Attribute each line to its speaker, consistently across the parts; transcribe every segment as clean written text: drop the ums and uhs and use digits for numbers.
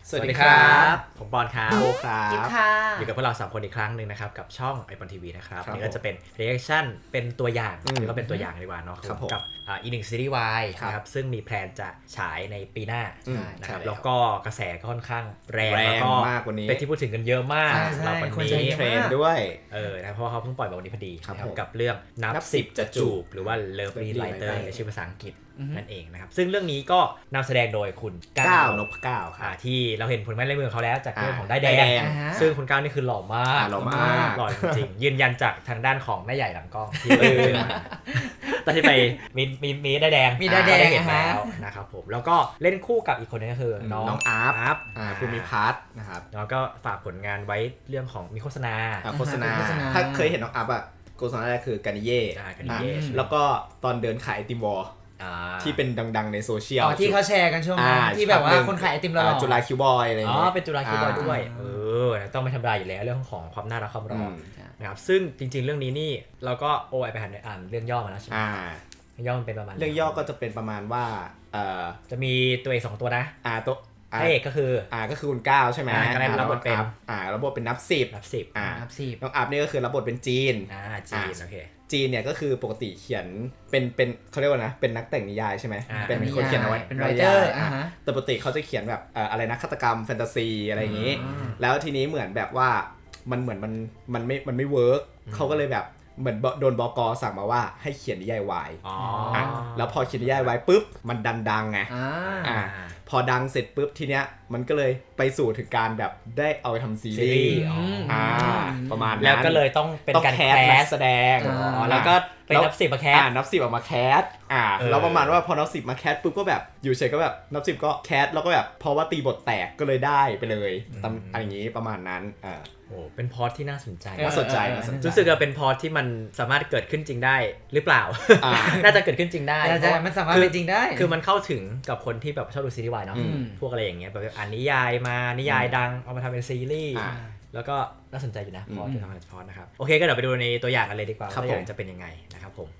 Speaker 1: สวัสดีครับผมบอลครับโอครั
Speaker 2: บค่ะ
Speaker 1: อยู่กับพวกเรา3คนอีกครั้งหนึ่งนะครับกับช่อง iPhone TV นะครับนี่ก็จะเป็น reaction เป็นตัวอย่างหรือก็เป็นตัวอย่างดีกว่าเนาะกับอีกหนึ่งซีรีส์วายนะครับซึ่งมีแพลนจะฉายในปีหน้านะครับแล้วก็กระแสก็ค่อนข้างแรง
Speaker 3: มากกว่านี้
Speaker 1: เป็นที่พูดถึงกันเยอะมากเราวันนี้
Speaker 3: เทรนด้วย
Speaker 1: นะเพราะเขาเพิ่งปล่อยมาวันนี้พอดีกับเรื่องนับ10จะจูบหรือว่า Lovely Writer ในชื่อภาษาอังกฤษนั่นเองนะครับซึ่งเรื่องนี้ก็นำแสดงโดยคุณ
Speaker 3: ก้าวนพก้าวครับ
Speaker 1: ที่เราเห็นผลงานลายมือของเขาแล้วจากเรื่องของได้แดงซึ่งคุณก้าวนี่คือหล่อมาก
Speaker 3: หล่อ
Speaker 1: จริงยืนยันจากทางด้านของแม่ใหญ่หลังกล้องที่ตอนที่ไปมีได้แดงเห็นแล้วนะครับผมแล้วก็เล่นคู่กับอีกคนนึงก็คือน้อง
Speaker 3: อาร์ฟภูมิพัฒน์นะครับ
Speaker 1: แล้วก็ฝากผลงานไว้เรื่องของมีโฆษณา
Speaker 3: ถ้าเคยเห็นน้องอาร์ฟโฆษณาแรกคือกานิเย่แล้วก็ตอนเดินขายไอติมวอลที่เป็นดังๆในโซเชียล
Speaker 2: ที่เขาแชร์กันช่วงนั้นที่แบบว่าคนขายไอติมเรา
Speaker 3: จุฬาคิวบอยอะไรอย่าง
Speaker 1: เงี้ยเป็นจุฬาคิวบอยด้วยต้องไม่ธรรมดาอยู่แล้วเรื่องของความน่ารักความรอนะครับซึ่งจริงๆเรื่องนี้นี่เราก็ไปอ่านเรื่องย่อมาแล้วใช่ไหมเรื่องย่อมันเป็นประมาณ
Speaker 3: เรื่องย่อก็จะเป็นประมาณว่า
Speaker 1: จะมีตัวเอก2ตัวนะ
Speaker 3: ตัว
Speaker 1: พระเอกก็คือ
Speaker 3: คุณก้าวใช่ไหม
Speaker 1: รับบทเป็น
Speaker 3: รับบทเป็นนับ10น้องอัพนี่ก็คือรับบทเป็นจีน
Speaker 1: โอเค
Speaker 3: จีนเนี่ยก็คือปกติเขียนเป็นเขาเรียกว่านะเป็นนักแต่งนิยายใช่ไหมเป็นคนเขียนเอาไว้
Speaker 2: เป็นไรเตอร์
Speaker 3: แต่ปกติเขาจะเขียนแบบอะไรนะฆาตกรรมแฟนตาซีอะไรอย่างนี้แล้วทีนี้เหมือนแบบว่ามันเหมือนมันไม่เวิร์กเขาก็เลยแบบเหมือนโดนบก.สั่งมาว่าให้เขียนนิยายวายแล้วพอเขียนนิยายวายปุ๊บมันดังไงพอดังเสร็จปุ๊บทีเนี้ยมันก็เลยไปสู่ถึงการแบบได้เอาไปทำซีรีส์ประมาณนั้น
Speaker 1: แล้วก็เลยต้องเป็นการ
Speaker 3: แคสแสดง
Speaker 1: แล้วก็ไปนับ10มาแคส
Speaker 3: นับ10ออกมาแคสแล้วประมาณว่าพอนับ10มาแคสปุ๊บก็แบบอยู่เฉยก็แบบนับ10ก็แคสแล้วก็แบบเพราะว่าตีบทแตกก็เลยได้ไปเลยอะไรอย่างงี้ประมาณนั้น
Speaker 1: เป็นพอดที่น่าสนใจ
Speaker 3: รู้
Speaker 1: สึกว่าเป็นพอดที่มันสามารถเกิดขึ้นจริงได้หรือเปล่าน่าจะเกิดขึ้นจริงได้
Speaker 2: มันสามารถเป็นจริงได้
Speaker 1: คือมันเข้าถึงกับคนที่แบบชอบดูซีรีส์วายเนาะพวกอะไรอย่างเงี้ยแบบอ่านนิยายมานิยายดังเอามาทำเป็นซีรีส์แล้วก็น่าสนใจอยู่นะพอที่ทำเป็นพอดนะครับโอเคก็เดี๋ยวไปดูในตัวอย่างกันเลยดีกว่าว่าตัวอย่างจะเป็นยังไงนะครับผม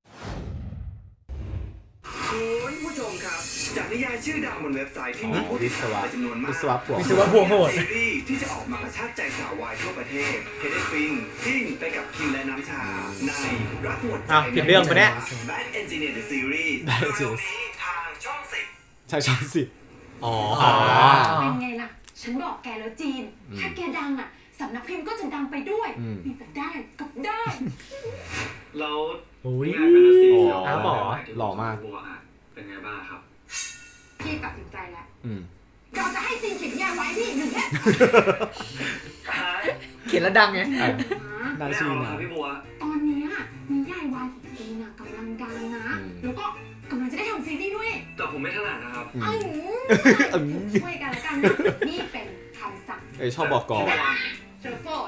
Speaker 4: คุณผู้ชมครับจากนิยายชื่อดังบนเว็บไซต์ที่มีผู้ติดตามจำนวนมาก
Speaker 3: วิศวะ
Speaker 2: พวกโหด
Speaker 4: ซีรีส์ที่จะออกมากระชากใจสาววายทั่วประเทศเฮเดฟินจิ้นไปกับคิมและน้ำชาในรักหมดใจ
Speaker 1: ผิดเรื่องปะเนี่ย
Speaker 4: Bad Engineer the Series ทางช่อง10
Speaker 3: ใช่ช่อง10
Speaker 5: เป็นไงล่ะฉันบอกแกแล้วจีนถ้าแกดังอ่ะสำนักพิมพ์ก็จะดังไปด้วยมีแต่ได้กับได้
Speaker 4: แล้ว
Speaker 1: ง
Speaker 4: านแฟนตาซี
Speaker 3: หล่อมาก
Speaker 4: เป็นไงบ้างครับ
Speaker 5: พี่ตัดสินใจแล้วเราจะให้จีนเขียนนิยายไว้พี่1เนี่ย
Speaker 2: เขียนแล้วดังไง
Speaker 4: ได้ชื่อนะพี่บัว
Speaker 5: ตอนนี้นิยายวายของจีนกำลังดังนะแล้วก็กำลังจะได้ทำซีรีส์ด้วย
Speaker 4: แต่ผมไม่ถนัดนะครับ
Speaker 5: ช่วยกันแล้วกันนี่เป็นคำสั่ง
Speaker 3: ชอบบอกก่อน
Speaker 5: เจอโฟน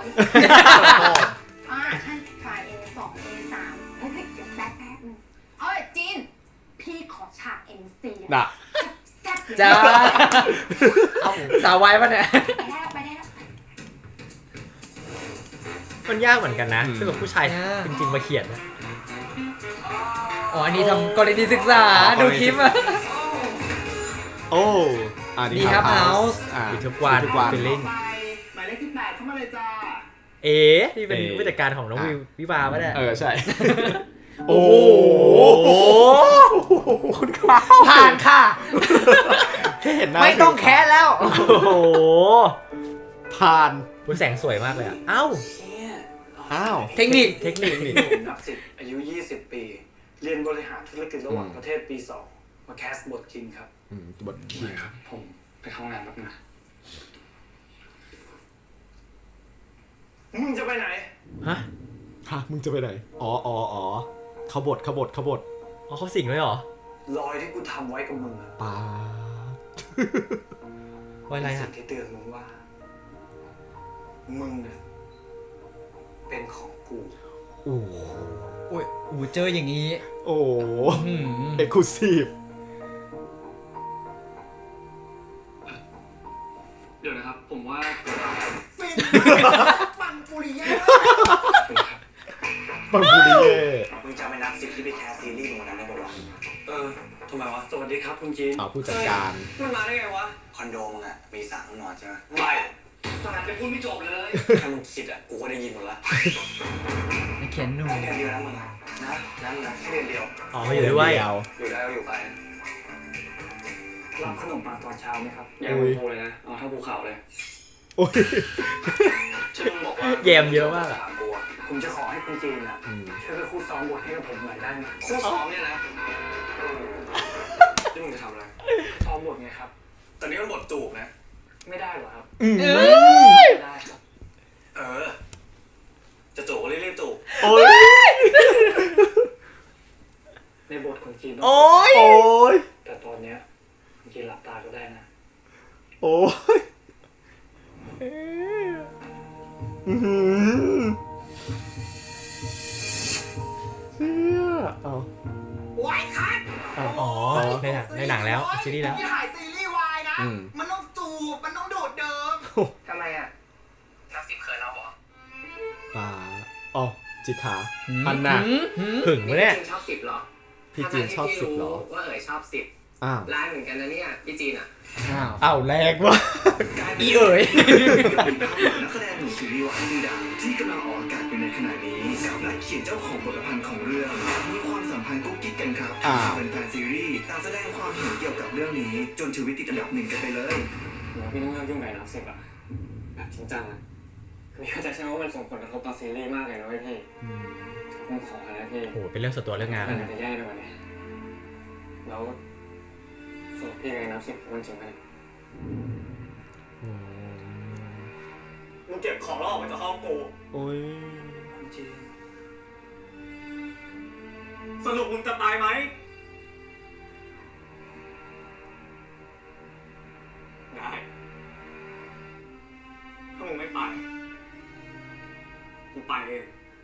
Speaker 5: ใช่ไฟล์ A2 A3 เฮ้ยเดี๋ยวแป๊บนึงจีนพี่ขอฉาก NC แซ่บ
Speaker 2: จ้าสาววายป่ะเนี่ย
Speaker 5: ไปได้แล้ว
Speaker 1: มันยากเหมือนกันนะซึ่งกับผู้ชายจริงๆมาเขียนนะ
Speaker 2: อันนี้ทำกรณีศึกษาดูคลิป
Speaker 3: ดี
Speaker 2: ครับเฮาส์
Speaker 1: ทุกวัน
Speaker 4: ฟีลลิ่งหมายเลข18เข้ามาเลยจ้า
Speaker 1: ที่เป็นผู้จัดการของน้องวิวาป่ะเนี่ย
Speaker 3: ใช่โอ้โหคุณข้าว
Speaker 2: ผ่านค่ะ
Speaker 3: แค่เห็นหน้า
Speaker 2: ไม่ต้องแคสแล้ว
Speaker 1: โอ้โห
Speaker 3: ผ่าน
Speaker 1: คุณแสงสวยมากเลยอ้าว
Speaker 2: เทคนิค
Speaker 4: นัก10อายุ20ปีเรียนบริหารธุรกิจระหว่างประเทศปี2มาแคสบทคิงครับ
Speaker 3: บทคิง
Speaker 4: ครับผมไปเข้างานแป๊บนึงมึงจะไปไหน
Speaker 1: ฮะ
Speaker 3: มึงจะไปไหนขบฏ
Speaker 1: เขาสิงเลยเหรอ
Speaker 4: รอยที่กูทำไว้กับมึง
Speaker 3: ป้า
Speaker 1: ไว้อะไร
Speaker 4: สิ่งที่เตือนมึงว่ามึงเนี่ยเป็นของกู
Speaker 3: โอ้
Speaker 2: เจออย่างนี้
Speaker 3: เอ็กซ์คลูซีฟ
Speaker 4: เดี๋ยวนะครับผมว่า
Speaker 5: ปังปุริยะ
Speaker 3: มึงจำไม่นับ10ที่ไปแคสซีรีส์มึงนั้นได้ป่าว
Speaker 4: โทรำไมวะสวัสดีครับคุณจีน
Speaker 3: ผู้จัดการ
Speaker 4: มันมาได้ไงวะคอนโดมึงอะมีสระห้องนอนใช่ไหมไม่สระจะพูดไม่จบเลยถ้ามึงคิดอะกูก็ได้ยินหมดละ
Speaker 2: เขียนหนู
Speaker 4: แค่เดือนเดียวนะมึงนะแค่เดือนเดียว
Speaker 1: อ๋ออยู่ด้วย
Speaker 4: อยู่ได้ก็อยู่ไปรับขนมปังตอนเช้าไหมครับอย่าพูดเลยนะเอาเท่าภูเขาเลย
Speaker 3: โอ้ย
Speaker 4: ฉันบอกว่า
Speaker 1: แยมเยอะมากอะ
Speaker 4: ผมจะขอให้คุณจีนอะช่วยไปคู่ซ้อมบทให้กับผมหน่อยได้ไหมคู่ซ้อมเนี่ยนะนี่มึงจะทำอะไรซ้อมบทไงครับตอนนี้มันบทจูบนะไม่ได้หรอครับไม่ได้ครับจะจูบก็รีบๆจูบ
Speaker 3: โอ้ย
Speaker 4: ในบทคุณจีน
Speaker 1: โอ้ย
Speaker 3: โอ้ย
Speaker 4: แต่ตอนเนี้ยคุณจีนหลับตาก็ได้นะ
Speaker 3: โอ้ยอื้อหือเชี่ยเอา
Speaker 5: โอ้ยคัด
Speaker 1: อ๋อในหนังแล้วซีรีส์แล้ว
Speaker 5: ที่ถ่ายซีรีส์วายนะ มันต้องจูบ มันต้องโดดเดิม
Speaker 4: ทำไมอ่ะนักซิปเขินเราเหรอ
Speaker 3: ป่าอ๋อจิกขาอันน่ะ
Speaker 1: หึงวะเนี่ย
Speaker 6: ชอบ10เหรอ
Speaker 3: พี่จีนชอบ10เหรอ
Speaker 6: ว่าชอบ10
Speaker 3: อ้าว
Speaker 6: ร้ายเหมือนกันนะเนี่ยพี่จีนอ่ะ
Speaker 3: อ้าวแรงวะ
Speaker 1: อีเอ๋ย
Speaker 4: นักแสดงหนุ่มซีรีส์วายชื่อดังที่กำลังออกอากาศอยู่ในขณะนี้กับนักเขียนเจ้าของบทประพันธ์ของเรื่องมีความสัมพันธ์กุ๊กกิ๊กกันครับเป็นแฟนซีรีส์ต่างแสดงความเห็นเกี่ยวกับเรื่องนี้จนชีวิตติดอันดับ1กันไปเลยพี่ต้องเลิกยุ่งกับนักสิบอ่ะแบบจริงจังอ่ะพี่เข้าใจใช่ไหมว่ามันส่งผลกระทบต่อซีรีส์มากเลยนะพี่ผมขอนะพี่
Speaker 1: โอ้โหเป็นเรื่องส่วนตัวเรื่องงาน
Speaker 4: มั
Speaker 1: แล้ว
Speaker 4: น
Speaker 1: นะ
Speaker 4: จะแย่ไปกว่านี้แล้วสรุปพี่กับนักสิบมันจริงไหมมึงเก็บของแล้วออกไปจากห้องกู
Speaker 3: โอ้ย
Speaker 4: จริงสรุปมึงจะตายไหมได้ถ้ามึงไม่ไปกูไปเอง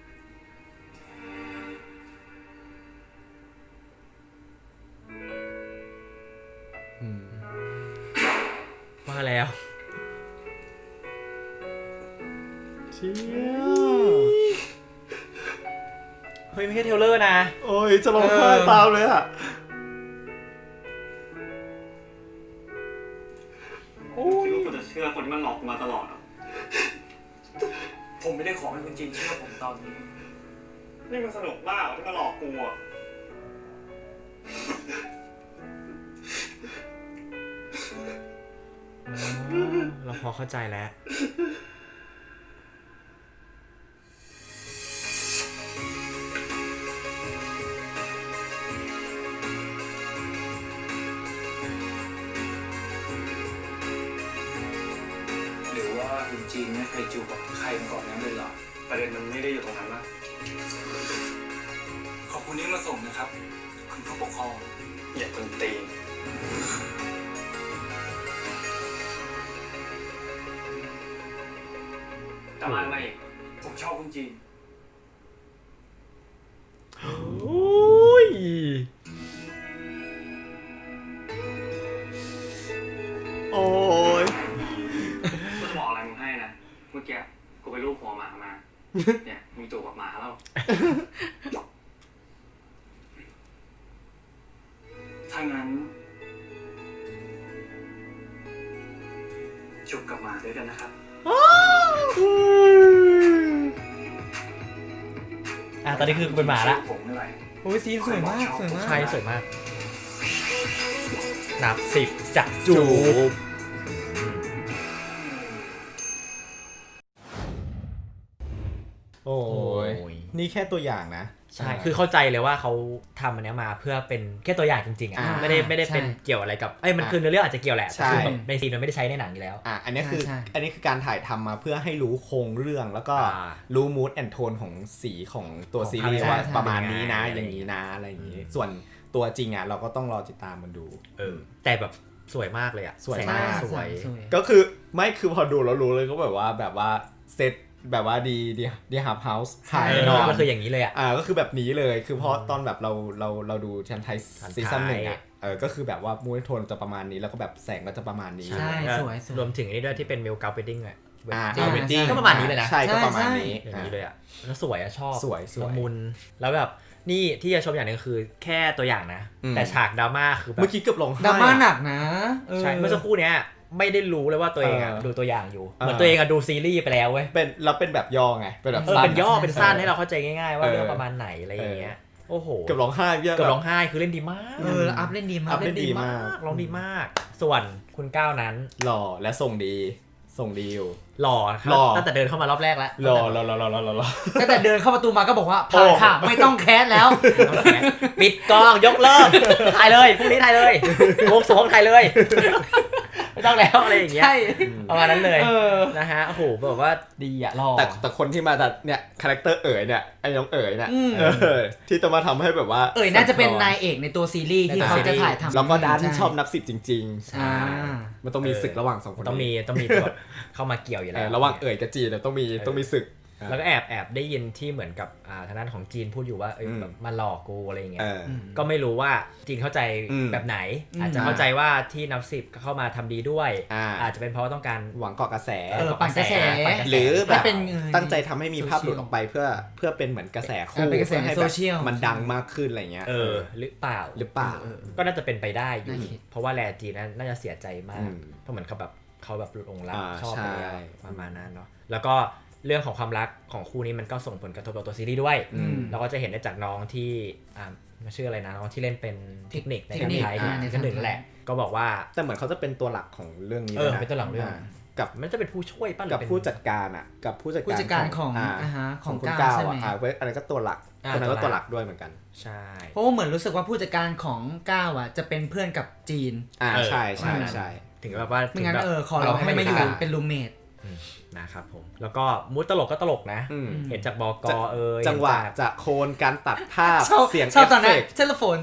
Speaker 1: ว่าแล้ว
Speaker 3: เชี่ย
Speaker 1: เฮ้ยไม่ใช่เทรลเลอร์นะ
Speaker 3: โอ้ยจะร้องไห้ตามเลยอ่ะ
Speaker 4: คิดว่ากูจะเชื่อคนที่มันหลอกกูมาตลอดอ่ะผมไม่ได้ขอให้คุณจีนเชื่อผมตอนนี้นี่มันสนุกมากที่มาหลอกกูอ่ะ
Speaker 1: เราพอเข้าใจแล้ว
Speaker 4: หรือว่าคุณจีนไม่เคยจูบกับใครมาก่อนนั้นเลยเหรอประเด็นมันไม่ได้อยู่ตรงนั้นนะขอบคุณที่มาส่งนะครับคุณผู้ปกครองอย่าคนตีนแต่มาอีกผมชอบคุณจีน
Speaker 1: โอ้ย
Speaker 3: โอ้ย
Speaker 4: กูจะบอกอะไรมึงให้นะเมื่อกี้กูไปลูบหัวหมามา เนี่ยมีตัวกับหมาแล้วถ้างั้นจูบกับหมาด้วยกันนะครับ
Speaker 1: ตอนนี้คือเป็นหมาละ
Speaker 4: ผมไม่ไหว
Speaker 2: โอ้ยซีนสวยมากสวยมาก
Speaker 1: ใช่สวยมาก นับ10จับจู
Speaker 3: จู
Speaker 1: บบ
Speaker 3: โอ้ย
Speaker 1: โอ้ย
Speaker 3: นี่แค่ตัวอย่างนะ
Speaker 1: ใช่คือเข้าใจเลยว่าเขาทำอันเนี้ยมาเพื่อเป็นแค่ตัวอย่างจริงๆอ่ะไม่ได้เป็นเกี่ยวอะไรกับมันคือเนื้อเรื่องอาจจะเกี่ยวแหละ
Speaker 3: ใช่
Speaker 1: แต่คือแบบในซีนมันไม่ได้ใช้ในหนังอยู่แล้ว
Speaker 3: อันนี้คือ
Speaker 2: ใช่
Speaker 3: อันนี้คือการถ่ายทำมาเพื่อให้รู้โครงเรื่องแล้วก็
Speaker 1: อ่า
Speaker 3: รู้มูดแอนโทนของสีของตัว
Speaker 1: ของ
Speaker 3: ซีรีส์
Speaker 1: ภาพ
Speaker 3: ว่า
Speaker 1: ใช่
Speaker 3: ประมาณนี้นะ
Speaker 1: เป็นยังไง
Speaker 3: อย่างนี้นะอะไรอย่างนี้ ส่วนตัวจริงอ่ะเราก็ต้องรอติดตามมันดู
Speaker 1: แต่แบบสวยมากเลยอ่ะ
Speaker 3: สวยมาก
Speaker 1: แสงสวย
Speaker 3: ก็คือไม่คือพอดูแล้วรู้เลยก็แบบว่าเซตแบบว่าดีฮับเฮาส์ถ่าย
Speaker 1: เออ
Speaker 3: แน่นอน
Speaker 1: ก็คืออย่างนี้เลยอ่ะ
Speaker 3: ก็คือแบบนี้เลยคือเพราะตอนแบบเราดูชันไทย
Speaker 1: ชันไทย
Speaker 3: ซีซั่นหนึ่งอ่ะก็คือแบบว่ามูดแอนโทนจะประมาณนี้แล้วก็แบบแสงก็จะประมาณนี้
Speaker 2: ใช่ สวย
Speaker 1: รวมถึงอันนี้ด้วยที่เป็นมิลกาเวดดิ้งอ่ะ
Speaker 3: เวดดิ้ง
Speaker 1: ก็ประมาณนี้เลยนะ
Speaker 3: ใช่ก็ประมาณนี้
Speaker 1: อย่างนี้เลยอ่ะแล้วสวยอ่ะชอบ
Speaker 3: สวย
Speaker 1: ละมุนแล้วแบบนี่ที่จะชมอย่างหนึงคือแค่ตัวอย่างนะ แต่ฉากดราม่าคือแบบ
Speaker 3: เมื่อกี้เกือบร้องไห้
Speaker 2: ดราม่าหนักนะ
Speaker 1: ใช่เมื่อสักครู่เนี้ยไม่ได้รู้เลยว่าตัวเองดูตัวอย่างอยู่เหมือนตัวเองดูซีรีส์ไปแล้วเว้ย
Speaker 3: เป็นแบบย่อไงเป็นแบบสั้น
Speaker 1: เป็นย่อเป็นสั้นให้เราเข้าใจง่ายๆว่าเรื่องประมาณไหนอะไรอย่างเงี้ยโอ้โห
Speaker 3: เกือบร้องไห้เยอะ
Speaker 1: เกือบร้องไห้คือเล่นดีมาก
Speaker 2: แล้วอัพเล่นดีมาก
Speaker 3: เล่นดีมาก
Speaker 1: ร้องดีมาก ส่วนคุณก้าวนั้น
Speaker 3: หล่อและส่งดีอยู่
Speaker 1: หล่อค
Speaker 3: หล่
Speaker 1: รั
Speaker 3: อ
Speaker 1: บตั้งแต่เดินเข้ามารอบแรกแล้ว
Speaker 3: หล่อ
Speaker 2: ตั้งแต่เดินเข้าประตูมาก็บอกว่าผ่านค่ะไม่ต้องแคสแล้ว
Speaker 1: ปิดกองยกเลิกถ่ายเลยพรุ่งนี้ถ่ายเลยวงสวงถ่ายเลยไม่ต้องแล้วอะไรอย่างเงี้ย
Speaker 2: ใช่
Speaker 1: ประมาณนั้นเลยนะฮะโอ้โหแบบว่าดีอะหล่อ
Speaker 3: แต่คนที่มาจากเนี่ยคาแรคเตอร์เนี่ยไอ้น้องเนี่ยที่จะมาทำให้แบบว่า
Speaker 2: น่าจะเป็นนายเอกในตัวซีรีส์ที่เขาจะถ่ายทำ
Speaker 3: แล้วก็ดัน
Speaker 2: ใ
Speaker 3: ชอบนับ10จริง
Speaker 2: อ่า
Speaker 3: ๆมันต้องมีศึกระหว่าง2คน
Speaker 1: ต้องมีตัวเข้ามาเกี่ยวอยู่แล้ว
Speaker 3: ระหว่างกับจีนเนี่ยต้องมีศึก
Speaker 1: แล้วก็แอบได้ยินที่เหมือนกับทางด้านของจีนพูดอยู่ว่าแบบมาหลอกกูอะไรอย่างเงี้ยก็ไม่รู้ว่าจีนเข้าใจแบบไหน อาจจะเข้าใจว่าที่นับสิบเข้ามาทำดีด้วย อาจจะเป็นเพราะต้องการ
Speaker 3: หวังเกาะกระแส
Speaker 2: ปั่นกระแส
Speaker 3: หรือแบบ
Speaker 2: เป็น
Speaker 3: ตั้งใจทำให้มีภาพหลุดออกไปเพื่อเป็นเหมือนกระแสคู่
Speaker 2: เป็นกระแส
Speaker 3: เพื่อให้
Speaker 2: โซ
Speaker 3: แบบ
Speaker 2: เชียล
Speaker 3: มันดังมากขึ้นอะไรเงี้ย
Speaker 1: หรือเปล่า ก็น่าจะเป็นไปได้อยู่
Speaker 2: น่าคิด
Speaker 1: เพราะว่าแลจีนน่าจะเสียใจมากเพราะเหมือนเขาแบบหลุดองค์รักชอบไปแล้วประมาณนั้นเนาะแล้วก็เรื่องของความรักของคู่นี้มันก็ส่งผลกระทบต่อตัวซีรีส์ด้วยเราก็จะเห็นได้จากน้องที่ชื่ออะไรนะน้องที่เล่นเป็นเทคนิคในการไทยในกันหนึ่งแหละก็บอกว่า
Speaker 3: แต่เหมือนเขาจะเป็นตัวหลักของเรื่องนี้
Speaker 1: เป็นตัวหลักเรื่องกับมันจะเป็นผู้ช่วยป่ะ
Speaker 3: กับผู้จัดการกับผู้จัดการของคุณก้าวอะไรก็ตัวหลักคนนั้นก็ตัวหลักด้วยเหมือนกัน
Speaker 1: ใช่
Speaker 2: เพราะว่าเหมือนรู้สึกว่าผู้จัดการของก้าวจะเป็นเพื่อนกับจีน
Speaker 3: ใช่
Speaker 1: ถึงแบบว่า
Speaker 2: ไม่งั้นขอเราให้มาอยู่เป็นรูมเมท
Speaker 1: นะครับผมแล้วก็มูดตลกก็ตลกนะเห็นจากบก
Speaker 3: จังหวะจากโคนการตัดภาพเสียง
Speaker 2: ชอบต
Speaker 3: เอ
Speaker 2: อน
Speaker 3: ฟ
Speaker 2: นั้
Speaker 3: เฟ
Speaker 2: น
Speaker 3: กต์
Speaker 2: เทเลโฟน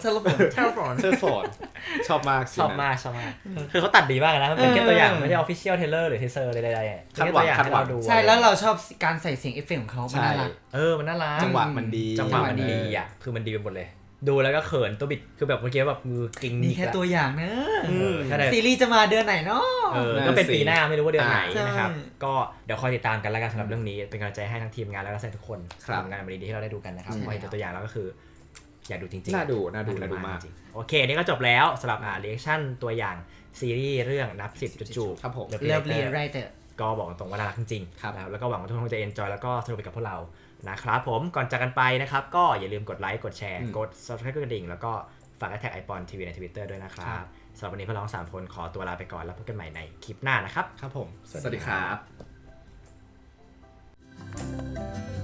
Speaker 3: ชอบมาก
Speaker 1: คือเขาตัดดีมากนะมันเป็นแค่ตัวอย่างไม่ได้ official trailer หรือ teaser ใดๆแค่ตัวอย่างให้เราดู
Speaker 2: ใช่แล้วเราชอบการใส่เสียงเอฟเฟกต์ของเขามันน่ารัก
Speaker 1: มันน่ารัก
Speaker 3: จังหวะมันดี
Speaker 1: อ่ะคือมันดีไปหมดเลยดูแล้วก็เขินตัวบิดคือแบบเมื่อกี้แบบมือกิ้ง
Speaker 2: นี่แค่ตัวอย่างนะ
Speaker 1: ซี
Speaker 2: ซี
Speaker 1: รี
Speaker 2: รีส์จะมาเดือนไหนเนาะ
Speaker 1: ก็เป็นปีหน้าไม่รู้ว่าเดือนไหนนะครับก็เดี๋ยวคอยติดตามกันแล้วกันสำหรับเรื่องนี้เป็นกำลังใจให้ทั้งทีมงานและนักแสดงทุกคนทำงานมาดีๆที่เราได้ดูกันนะครับพอเห็นตัวอย่างแล้วก็คืออยากดูจริงๆ
Speaker 3: น่าดูมาก
Speaker 1: โอเคนี่ก็จบแล้วสำหรับreaction ตัวอย่างซีรีส์เรื่องนับ10จูบ
Speaker 3: ครับผม
Speaker 2: เลิฟรีไรเตอร์
Speaker 1: ก็บอกตรงว่าน่ารักจริงๆแล้วก็หวังว่าทุกคนจะ enjoy แล้วก็สนุกไปกับพวกเรานะครับผมก่อนจากกันไปนะครับก็อย่าลืมกดไลค์กดแชร์กด subscribe กดกระดิ่งแล้วก็ฝากแท็ก iPon TV ใน Twitter ด้วยนะครับสำหรับวันนี้พวกเรา3คนขอตัวลาไปก่อนแล้วพบกันใหม่ในคลิปหน้านะครับ
Speaker 3: ครับผมสวัสดีครับ